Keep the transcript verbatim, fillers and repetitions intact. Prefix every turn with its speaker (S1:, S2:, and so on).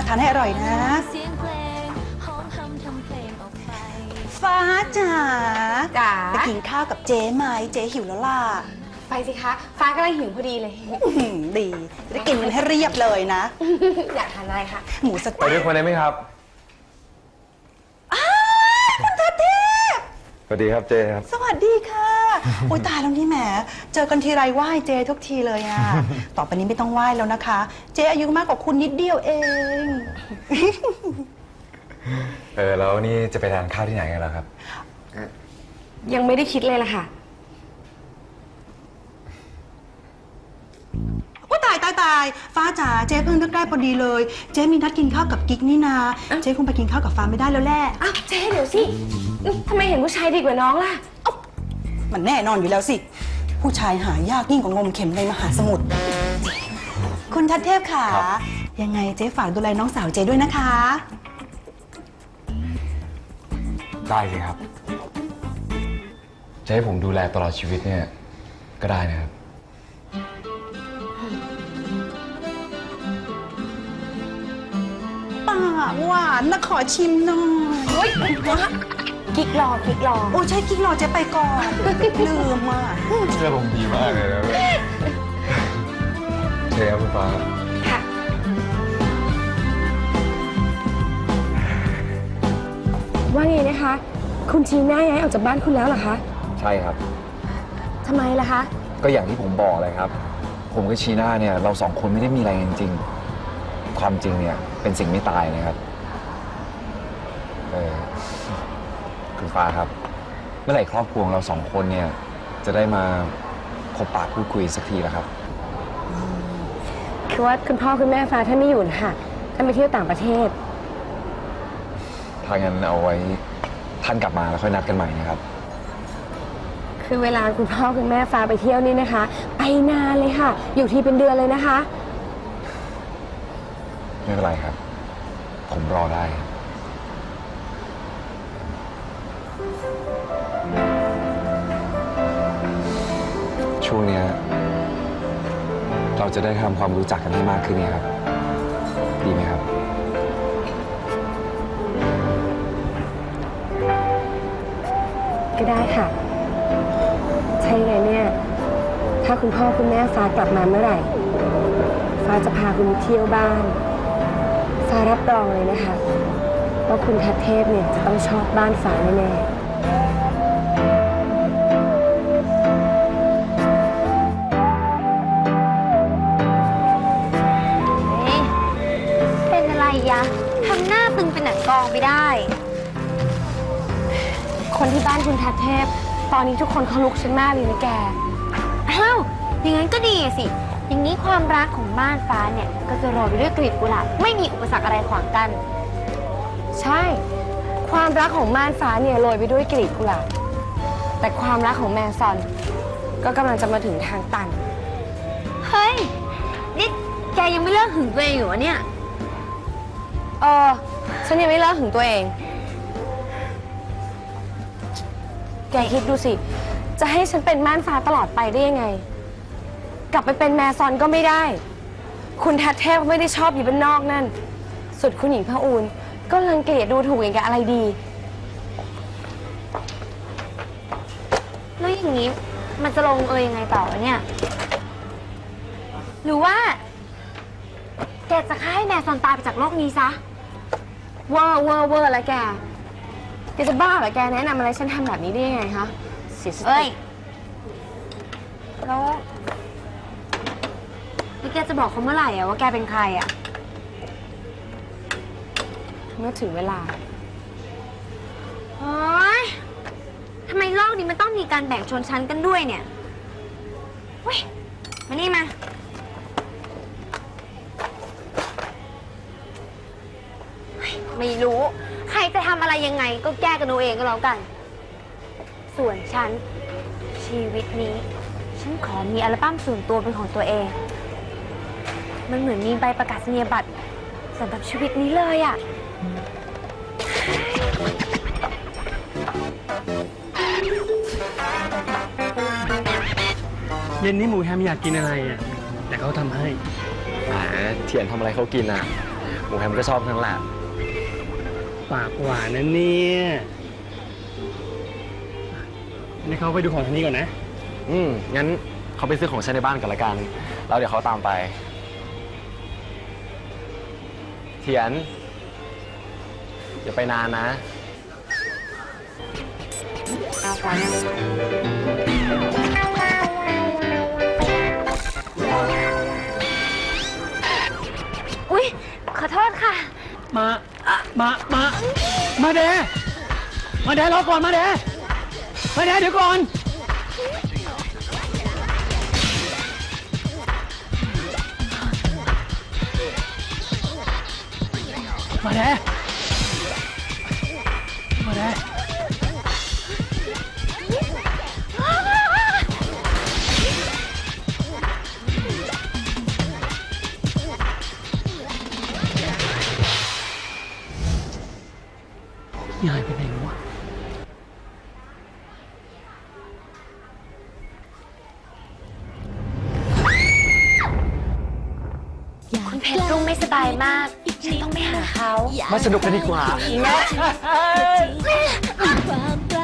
S1: ทานให้อร่อยนะฟ้าจ๋า
S2: จ๋า
S1: ไปกินข้าวกับเจ๊ไหมเจ๊หิวแล้วล่ะ
S2: ไปสิคะฟ้ากำลังหิวพอดีเลย
S1: ดีจะได้กินกันให้เรียบเลยนะ
S2: อยากทานอะไรคะ
S1: หมูสะ
S3: ไปด้วยคนได้ไหมครับ
S1: คุณทัศเทพ
S3: สวัสดีครับเจครับ
S1: สวัสดีค่ะโอ้ยตายแล้วนี่แหมเจอกันทีไรไหว้เจ๊ทุกทีเลยอ่ะ ต่อไปนี้ไม่ต้องไหว้แล้วนะคะ เจ๊อายุมากกว่าคุณนิดเดียวเอง
S3: เออแล้วนี่จะไปทานข้าวที่ไหนกันล่ะครับ
S2: ยังไม่ได้คิดเลยล่ะค่ะ
S1: โอ้ตายตายตายฟ้าจ๋าเจ๊เพิ่งนึกได้พอดีเลย เจ๊มีนัดกินข้าวกับกิ๊กนี่นาเจ๊คงไปกินข้าวกับฟ้าไม่ได้แล้วแหละ
S2: อ้าวเจ๊เดี๋ยวสิทำไมเห็นผู้ชายดีกว่าน้องล่ะ
S1: มันแน่นอนอยู่แล้วสิ ผู้ชายหายากยิ่งกว่างมเข็มในมหาสมุทรคุณทัศเทพค่ะ ยังไงเจ๊ฝากดูแลน้องสาวเจ๊ด้วยนะคะ
S3: ได้เลยครับ จะให้ผมดูแลตลอดชีวิตเนี่ยก็ได้นะครับ
S1: ปากหวานนะขอชิมหน่อย
S2: เฮ้ยกิ๊กรอกิ๊กรอ
S1: โอ้ใช่กิ๊กรอเจ๊ไปก่อนลืมอ่ะ
S3: เชื่อผมดีมากเลยนะเชิญครับคุณฟ้า
S2: ค่ะ ว่าไงนะคะ คุณชีน่าย้ายออกจากบ้านคุณแล้วเหรอคะ
S3: ใช่ครับ
S2: ทำไมล่ะคะ
S3: ก็อย่างที่ผมบอกเลยครับ ผมกับชีน่าเนี่ยเราสองคนไม่ได้มีอะไรจริงๆความจริงเนี่ยเป็นสิ่งไม่ตายนะครับเออคุณฟ้าครับ เมื่อไหร่ครอบครัวเราสองคนเนี่ยจะได้มาพบปะพูดคุยสักทีแล้วครับ
S2: คือว่าคุณพ่อคุณแม่ฟ้าท่านไม่อยู่นะคะท่านไปเที่ยวต่างประเทศ
S3: ถ้างั้นเอาไว้ท่านกลับมาแล้วค่อยนัดกันใหม่นะครับ
S2: คือเวลาคุณพ่อคุณแม่ฟ้าไปเที่ยวนี่นะคะ ไปนานเลยค่ะ อยู่ที่เป็นเดือนเลยนะคะ
S3: ไม่เป็นไรครับ ผมรอได้ ช่วงเนี้ยเราจะได้ทำความรู้จักกันให้มากขึ้นเนี่ยครับ ดีไหมครับ
S2: ก็ได้ค่ะ ใช่ไงเนี่ย ถ้าคุณพ่อคุณแม่ฟ้ากลับมาเมื่อไหร่ ฟ้าจะพาคุณเที่ยวบ้าน ฟ้ารับรองเลยนะคะว่าคุณทัศเทพเนี่ยจะต้องชอบบ้านฟ้าแน่ๆ
S4: เป็นอะไรยะ ทำหน้าตึงเป็นหนังกองไปได้
S2: คนที่บ้านคุณทัศเทพ ตอนนี้ทุกคนเขาลุกฉันมากเลยนะแก
S4: อ้าว อย่างนั้นก็ดีสิ อย่างนี้ความรักของบ้านฟ้าเนี่ย ก็จะโรยไปด้วยกลีบกุหลาบไม่มีอุปสรรคอะไรขวางกัน
S2: ใช่ ความรักของม่านฟ้าเนี่ยโรยไปด้วยกลีบกุหลาบ แต่ความรักของแมซอน ก็กำลังจะมาถึงทางตัน
S4: เฮ้ย นี่แกยังไม่เลิกหึงตัวเองอยู่วะเนี่ย
S2: เออ ฉันยังไม่เลิกถึงตัวเอง แกคิดดูสิ จะให้ฉันเป็นม่านฟ้าตลอดไปได้ยังไง กลับไปเป็นแมซอนก็ไม่ได้ คุณทัศเทพไม่ได้ชอบอยู่บ้านนอกนั่น สุดคุณหญิงพระอูนก็รังเกียจดูถูกอย่างกับอะไรดี
S4: แล้วอย่างนี้มันจะลงเอยยังไงต่อวะเนี่ย หรือว่าแกจะฆ่าให้แมซอนตายไปจากโลกนี้ซะ
S2: เวอร์เวอร์เวอร์แล้วแก แกจะบ้าเหรอแกแนะนำอะไรฉันทำแบบนี้ได้ยังไงคะเสียส
S4: เอ้
S2: ติ
S4: ย แล้วแล้วแกจะบอกเขาเมื่อไหร่อะว่าแกเป็นใครอะ
S2: เมื่อถึงเวลา
S4: โอ๊ยทำไมโลกนี้มันต้องมีการแบ่งชนชั้นกันด้วยเนี่ยเว้ย มานี่มา ไม่รู้ ใครจะทำอะไรยังไงก็แก้กันเอาเองก็แล้วกัน ส่วนฉัน ชีวิตนี้ ฉันขอมีอัลบั้มส่วนตัวเป็นของตัวเอง มันเหมือนมีใบประกาศนียบัตรสำหรับชีวิตนี้เลยอะ
S5: เย็นนี้หมูแฮมอยากกินอะไรอ่ะแต่เขาทำให้
S3: แหมเทียนทำอะไรเขากินอ่ะ
S5: หมูแฮมก็ชอบทั้งแหละ
S6: ปากหวานนะเนี่ยนี่เขาไปดูของทางนี้ก่อนนะ
S5: อืม งั้นเขาไปซื้อของใช้ในบ้านกันละกัน แล้วเดี๋ยวเขาตามไป เทียน อย่าไปนานนะ
S4: อุ๊ย ขอโทษค่ะ
S6: มา มา มา มาเดมาเดรอก่อนมาเดมาเดเดี๋ยวก่อน มาเดมาเดยายไปไหนวะ
S4: คุณเพชรรุ่งไม่สบายมาก ฉันต้องไปหาเขา
S5: มาสนุกกันดีกว่า
S7: ความรั